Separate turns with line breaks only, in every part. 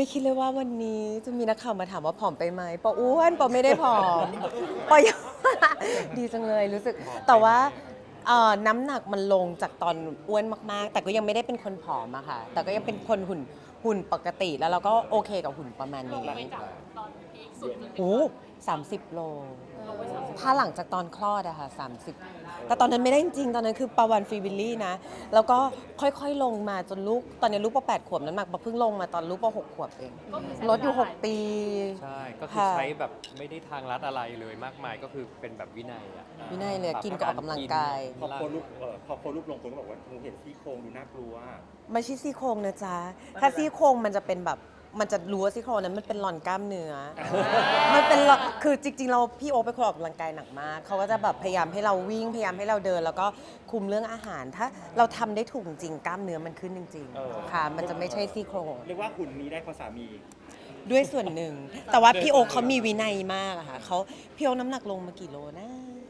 ไม่คิดเลยว่าวันนี้จะมีนักข่าวมาถามว่าผอมไปไหมปออ้วนปอไม่ได้ผอมปอยัง ดีจังเลยรู้สึกแต่ว่าน้ำหนักมันลงจากตอนอ้วนมากๆแต่ก็ยังไม่ได้เป็นคนผอมอะค่ะแต่ก็ยังเป็นคนหุ่นปกติแล้วเราก็โอเคกับหุ่นประมาณนี้
ไปจากตอนพีคสุดจนถึง
โอ้30 โลถ้าหลังจากตอนคลอดอะค่ะ30แต่ตอนนั้นไม่ได้จริงๆตอนนั้นคือประวันฟรีวิลลี่นะแล้วก็ค่อยๆลงมาจนลูกตอนนี้ลูกปอ8 ขวบน้ำหนักปอเพิ่งลงมาตอนลูกปอ6 ขวบเองลดอยู่6 ปี
ใช่ก็คือใช้แบบไม่ได้ทางลัดอะไรเลยมากมายก็คือเป็นแบบวินัยอ่ะ
วินัยเลยกินกับออกกำลังกาย
พอโพสต์รูปลงคนก็บอกว่าหนูเห็นซี่โครงดูน่ากลัว
ไม่ใช่ซี่โครงนะจ๊ะถ้าซี่โครงมันจะเป็นแบบมันจะรู้ว่าซี่โครงนั้นมันเป็นหลอนกล้ามเนื้อ มันเป็นหลอนคือจริงๆเราพี่โอ๊คเป็นคนออกกำลังกายหนักมากเขาก็จะแบบพยายามให้เราวิ่งพยายามให้เราเดิน แล้วก็คุมเรื่องอาหาร ถ้าเราทำได้ถูกจริงกล้ามเนื้อมันขึ้นจริงๆค่ะมันจะไม่ใช่ซี่โครง
เรียกว่าหุ่นนี้ได้เพราะสามี
ด้วยส่วนหนึ่ง แต่ว่าพี่โอ๊คเขามีวินัยมากอะค่ะเขาพี่โอ๊คน้ำหนักลงมากี่โลนะ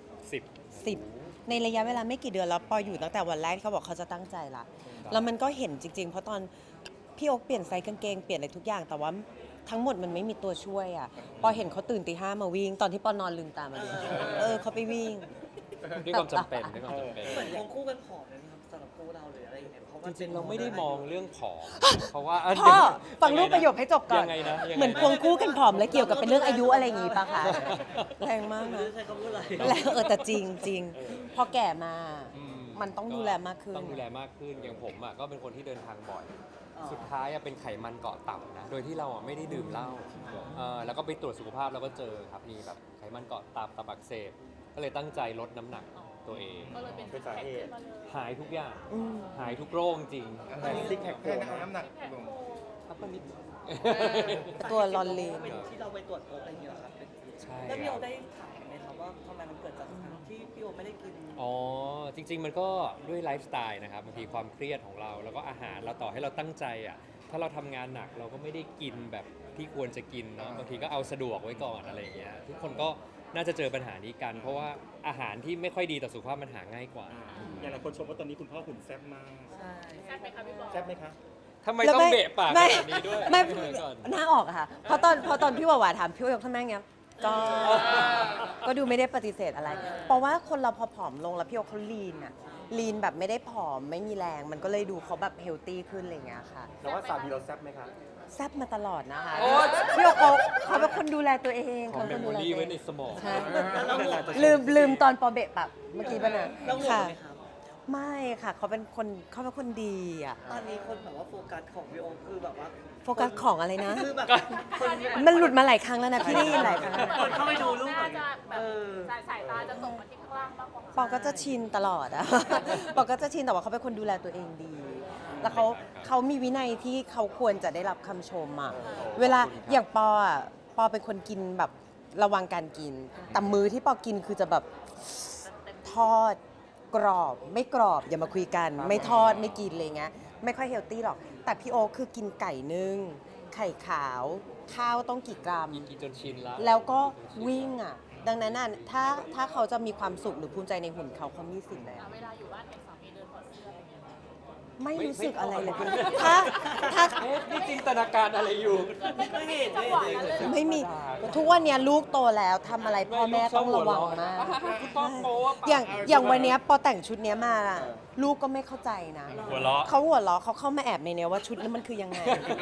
10ในระยะเวลาไม่กี่เดือนแล้วปออยู่ตั้งแต่วันแรกที่เขาบอกเขาจะตั้งใจละแล้วมันก็เห็นจริงๆ เพราะตอนพี่โอ๊คเปลี่ยนไซส์กางเกงเปลี่ยนอะไรทุกอย่างแต่ว่าทั้งหมดมันไม่มีตัวช่วยอะปอเห็นเขาตื่นตี 5มาวิ่งตอนที่ปอนอนลืมตามาเลยเขาไปวิ่ง
ด้วยความจำเป็นด้วยความจำเป็น
เหมือนควงคู่กันผอมเลยนะครับสำหรับคู่เราหรืออะไรอย่างเงี้ยเพราะ
จ
ว่า
ริงๆเราไม่ได้มองเรื่องผอมเพราะว่า
พ่อฟังลูกประโยคให้จบก่อน
ยังไงนะยังไงนะ
เหมือนควงคู่กันผอมแล้วเกี่ยวกับเป็นเรื่องอายุอะไรอย่างงี้ปะคะแรงมาก
ไม่
นะ
รู้ใช้คำพูดอะไร
แล้วแต่จริงจริงพอแก่มา
อื
มันต้องดูแลมากขึ้น
ต้องดูแลมากขึ้นอย่างผมอ่ะก็เป็นคนที่เดินทางบ่อย
อ๋อ
สุดท้ายอะเป็นไขมันเกาะตับนะโดยที่เราอะไม่ได้ดื่มเหล้าแล้วก็ไปตรวจสุขภาพแล้วก็เจอครับมีแบบไขมันเกาะตับอักเสบก็เลยตั้งใจลดน้ำหนักตัวเอง
ก็เลยเป็น
เป็นสาเหตุ
ขึ้นมาเลย
หายทุกอย่าง
อืม
หายทุกโรคจริง
แต่ซิกแพคแค่น้ำหนักลง
ครับก็นิด
ตัวลอนเลน
เป็นที่เราไปตรวจพบอะไรอย่างเงี้ยเหรอครับเป็น
ใช่
แล้วพี่
ค
โอ
รับ
ได้ถามไหมครับว่าทำไมมันเกิดจากที่พี่โอไม่ได้กิน
อ๋อจริง ๆ มันก็ด้วยไลฟ์สไตล์นะครับบางทีความเครียดของเราแล้วก็อาหารเราต่อให้เราตั้งใจอ่ะถ้าเราทำงานหนักเราก็ไม่ได้กินแบบที่ควรจะกินเนาะบางทีก็เอาสะดวกไว้ก่อนอะไรอย่างเงี้ยทุกคนก็น่าจะเจอปัญหานี้กัน เพราะว่าอาหารที่ไม่ค่อยดีต่อสุขภาพมันหาง่ายกว่า
อย่างหลายคนชมว่าตอนนี้คุณพ่อหุ่นแซ่บมาก
ใช่
แซ่บไหมคะพี่บอล
แซ่บไหมคะ
ทำไมต้องเบะปากข
ไม่
นาดนี้ด้วย
ไม่
เดี๋ยวก่อน
หน้าออกอะค่ะเพราะตอนพี่หวาถามพี่ยกทำไมเงี้ยก็ดูไม่ได้ปฏิเสธอะไร เพราะว่าคนเราพอผอมลงแล้วพี่โอเขาลีนอะลีนแบบไม่ได้ผอมไม่มีแรง มันก็เลยดูเขาแบบเฮลตี้ขึ้นอะไรอย่างเงี้ยค่ะ
แล้วว่าสามีเราแซ่บไหมคะ
แซ่บมาตลอดนะคะ
โอ๊ย
พี่โอเขาเป็นคนดูแลตัวเอง
ขอ
เขา
เม
เป็น
ม
คน
โม
ดูแล
รี่
ตัว
ไว้
เอ
ใน
ง
สมอง
ใช่
แล้วห่วงไหม
ลืมตอนปอเบะปะเมื่อกี้ป่ะนะ
แล้วห่วง
ค่ะ
ไหมครับ
ไม่ค่ะเขาเป็นคนดีอะ
ตอนนี้คนแบบว่าโฟกัสของพี่โอคือแบบว่า
โฟกัสของอะไรนะ
คือแบบคน
มันหลุดมาหลายครั้งแล้วนะพี่ได้ยินหลายครั้งแล้ว
คนเข้าไปดูรูป
น่า
แบบ
จะแบบ
เออ
สายตาจะตกมาที่ข้างล่างมากกว่า
ปอก็จะชินตลอดอะ ปอก็จะชินแต่ว่าเขาเป็นคนดูแลตัวเองดี แล้วเขามีวินัยที่เขาควรจะได้รับคำชมอะเวลาอย่างปออะปอเป็นคนกินแบบระวังการกิน แต่มื้อที่ปอกินคือจะแบบทอดกรอบไม่กรอบอย่ามาคุยกัน ไม่ทอดไม่กินอะไรเงี้ยไม่ค่อยเฮลตี้หรอก แต่พี่โอคคือกินไก่นึ่งไข่ขาว ข้าวต้องกี่กรัม
กินจนชินแล้ว
แล้วก็วิ่งอ่ะ ดังนั้นน่ะถ้าเขาจะมีความสุขหรือภูมิใจในหุ่นเขามีสิทธิ์แล้ว
เวลาอยู่บ้านเห็นสามีเดินถอดเสื้ออะไรเงี้ย
ไม่รู้สึกอะไรเลย
ไม่
ถ้า
เอ๊ะนี่จินตนาการอะไรอยู่
ไม่เห็น
จังหวะนั้นเลย
ไม่มีทุกวันเนี้ยลูกโตแล้วทำอะไรพ่อแม่ต้องระวังมาก
คุณต้องโป๊ะ
อย่างวันเนี้ยพอแต่งชุดเนี้ยมาอะลูกก็ไม่เข้าใจนะ
หัวเราะ
เขาหัวเราะเขาเข้ามาแอบในเนี้ยว่าชุดนั้นมันคือยังไง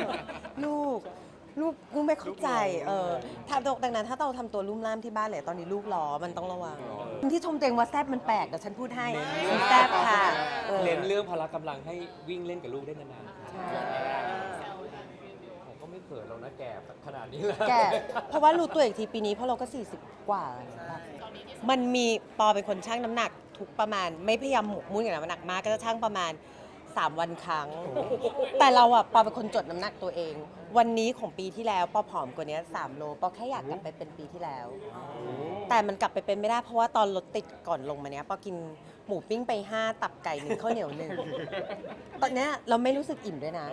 ลูกไม่เข้าใจถ้าดังนั้นถ้าเราทำตัวลุ่มล่ามที่บ้านเลยตอนนี้ลูกล้อมันต้องระวังที่ชมตัวเองว่าแซบมันแปลกเดี๋ยวฉันพูดให้มันแซบค่ะ
เน้นเรื่องพละกำลังให้วิ่งเล่นกับลูกได้นานๆ
ใช่
ผมก็ไม่เขินหรอกนะแก่ขนาดนี้แล้ว
แกเพราะว่ารู้ตัวอีกทีปีนี้เพราะเราก็ 40 กว่า มันมีปอเป็นคนชั่งน้ำหนักทุกประมาณไม่พยายามหมกมุ่นกับน้ำหนักมากก็จะชั่งประมาณ 3 วันครั้ง แต่เราอะปอเป็นคนจดน้ำหนักตัวเอง วันนี้ของปีที่แล้วปอผอมกว่านี้3 โลปอแค่อยากกลับไปเป็นปีที่แล้ว แต่มันกลับไปเป็นไม่ได้เพราะว่าตอนรถติดก่อนลงมาเนี้ยปอกินหมูปิ้งไป 5 ตับไก่ 1ข้าวเหนียว 1 ตอนเนี้ยเราไม่รู้สึกอิ่มด้วยนะ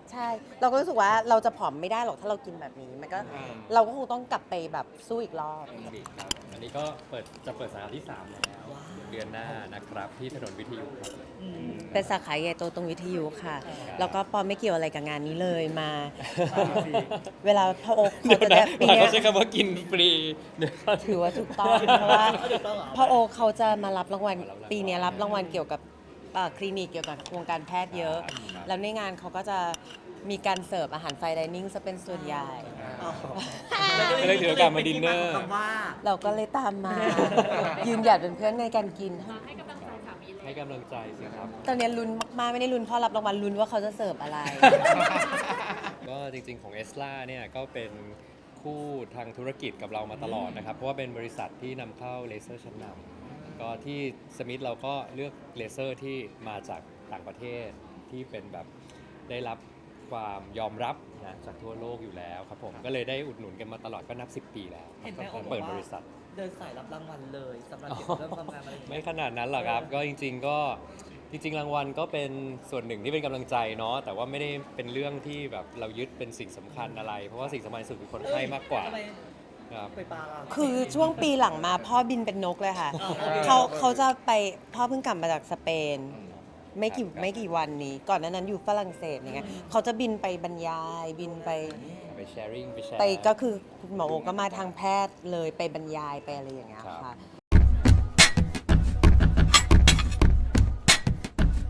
ใช่ เราก็รู้สึกว่าเราจะผอมไม่ได้หรอกถ้าเรากินแบบนี้ มันก็เราก็คงต้องกลับไปแบบสู้อีกรอบ
ครับอันนี้ก็จะเปิดสาขาที่ 3 แล้ว เดือนหน้านะครับที่ถนนวิทยุครับ
เป็นสาขาใหญ่โตตรงวิทยุค่ะ แล้วก็ปอไม่เกี่ยวอะไรกับงานนี้เลยมา เวลาพ่อโอ๊คเขาจะได้ปีเนี้ย
เขาใช้คำว่ากินฟรีเนี่ย
ถือว่าถูกต้องเพราะว่าพ่อโอ๊คเขาจะมารับรางวัลปีเนี้ยรับรางวัลเกี่ยวกับคลินิกเกี่ยวกับวงการแพทย์เยอะ แล้วในงานเขาก็จะมีการเสิร์ฟอาหารไฟน์ไดนิ่งซะเป็นส่วนใหญ่
ก็เลยถือโอกาสมาดินเนอร์
คำว่า
เราก็เลยตามมา ยืนหยัดเป็นเพื่อนในการกิน
ให้กำลังใจสามีเลย
ให้กำลังใจสิครับ
ตอนนี้ลุ้นมากๆไม่ได้ลุ้นเพ่อรับรางวัลลุ้นว่าเขาจะเสิร์ฟอะไร
ก็จริงๆของเอสลาเนี่ยก็เป็นคู่ทางธุรกิจกับเรามาตลอดนะครับ เพราะว่าเป็นบริษัทที่นำเข้าเลเซอร์ชั้นนำก็ที่สมิธเราก็เลือกเลเซอร์ที่มาจากต่างประเทศที่เป็นแบบได้รับความยอมรับนะจากทั่วโลกอยู่แล้วครับผมก็เลยได้อุดหนุนกันมาตลอดก็นับ 10 ปีแล้ว
เห็นไหม
ก็
โอ๊คบอกว่า
เปิดบริษัท
เดินสายรับรางวัลเลยสำหรับเกี่ยวกับเรื่องความงามอะไรอย่าง
ไม่
เงี้ย
ขนาดนั้นหรอกครับ ก็จริงๆก็จริง ๆ รางวัลก็เป็นส่วนหนึ่งที่เป็นกำลังใจเนาะแต่ว่าไม่ได้เป็นเรื่องที่แบบเรายึดเป็นสิ่งสำคัญอะไร เพราะว่าสิ่งสำคัญที่สุดคือคนไข้มากกว่า
ทำไม
ครับ
ไปปลาล่ะ
คือช่วงปีหลังมาพ่อบินเป็นนกเลยค่ะ เขาจะไปพ่อเพิ่งกลับมาจากสเปน ไม่กี่วันนี้ ก่อนหน้านั้นอยู่ฝรั่งเศสอย่างเงี้ยเขาจะบินไปบรรยายบินไป
ไปแชร์
ไปก็คือคุณหมอโอก็มาทางแพทย์เลยไปบรรยายไปอะไรอย่างเงี้ย
ครับ
ค่ะ